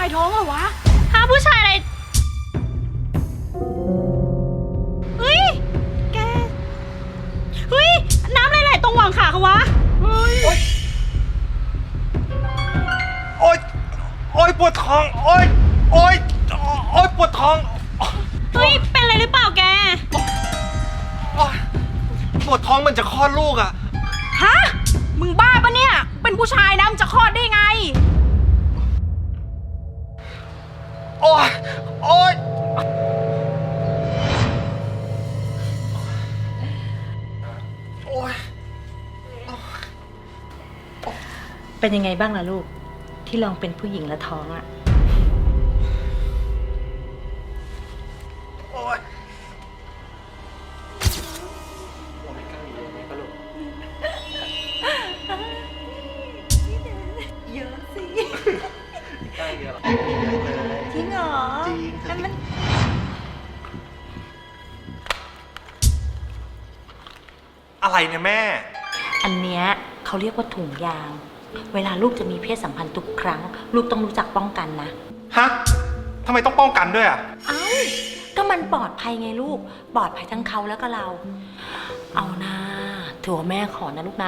ายท้องเหรอวะหาผู้ชายอะไรเฮ้ยแกเฮ้ยน้ำไหลๆตรงหว่างขาเขาวะเฮ้ยโอ๊ยโอ๊ยปวดท้องโอ๊ยโอ๊ยโอ๊ยปวดท้องเฮ้ยเป็นอะไรหรือเปล่าแกโอ๊ยปวดท้องเหมันจะคลอดลูกอ่ะฮะ มึงบ้าปะเนี่ย เป็นผู้ชายนะมึงจะคลอดได้ไงโอ๊ยโอ๊ยโอ๊ยเป็นยังไงบ้างล่ะลูก ที่ลองเป็นผู้หญิงและท้องอะโอ๊ยเยอะสิใกล้เดียวหรอจริงเหรอจริงแล้วมันอะไรเนี่ยแม่อันเนี้ยเขาเรียกว่าถุงยาง เวลาลูกจะมีเพศสัมพันธ์ทุกครั้ง ลูกต้องรู้จักป้องกันนะฮะทำไมต้องป้องกันด้วยอ่ะเอ้า ก็มันปลอดภัยไงลูก ปลอดภัยทั้งเขาแล้วก็เรา เอานะถือว่าแม่ขอนะลูกนะ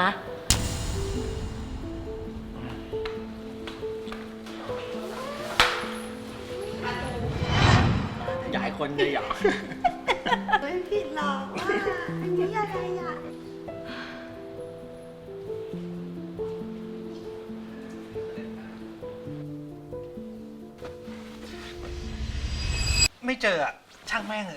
อยากให้คนเลยอยากไม่ผิดหรอกว่าอันนี้อะไรอ่ะไม่เจออ่ะ ช่างแม่งเลย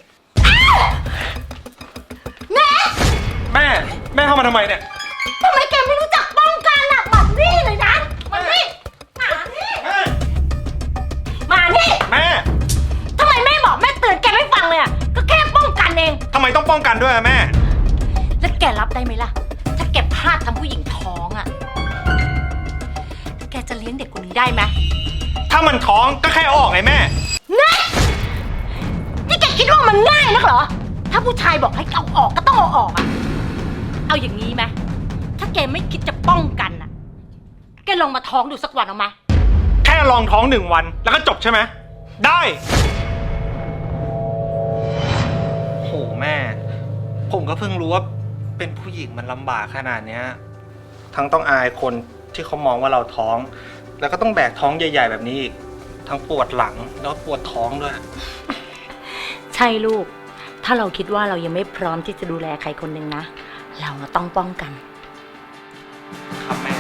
แม่แม่เข้ามาทำไมเนี่ยทำไมแกไม่รู้จักป้องกันอ่ะแบบนี้เลยนะมานี่มานี่แม่มานี่แม่ทำไมแม่บอกแม่เตือนแกไม่ฟังเลยอ่ะก็แค่ป้องกันเองทำไมต้องป้องกันด้วยอะแม่แล้วแกรับได้ไหมล่ะ ถ้าแกพลาดทำผู้หญิงท้องอ่ะ แกจะเลี้ยงเด็กคนนี้ได้ไหมถ้ามันท้องก็แค่เอาออกไงแม่นี่แกคิดว่ามันง่ายนักเหรอ ถ้าผู้ชายบอกให้เอาออกก็ต้องเอาออกอ่ะเอาอย่างนี้ไหม ถ้าแกไม่คิดจะป้องกันอ่ะ แกลองมาท้องดูสักวันเอาไหมแค่ลองท้อง1 วันแล้วก็จบใช่ไหม ได้ โหแม่ ผมก็เพิ่งรู้ว่าเป็นผู้หญิงมันลำบากขนาดเนี้ย ทั้งต้องอายคนที่เขามองว่าเราท้อง แล้วก็ต้องแบกท้องใหญ่ ๆ แบบนี้อีก ทั้งปวดหลังแล้วปวดท้องด้วยใช่ลูก ถ้าเราคิดว่าเรายังไม่พร้อมที่จะดูแลใครคนหนึ่งนะ เราต้องป้องกันครับแม่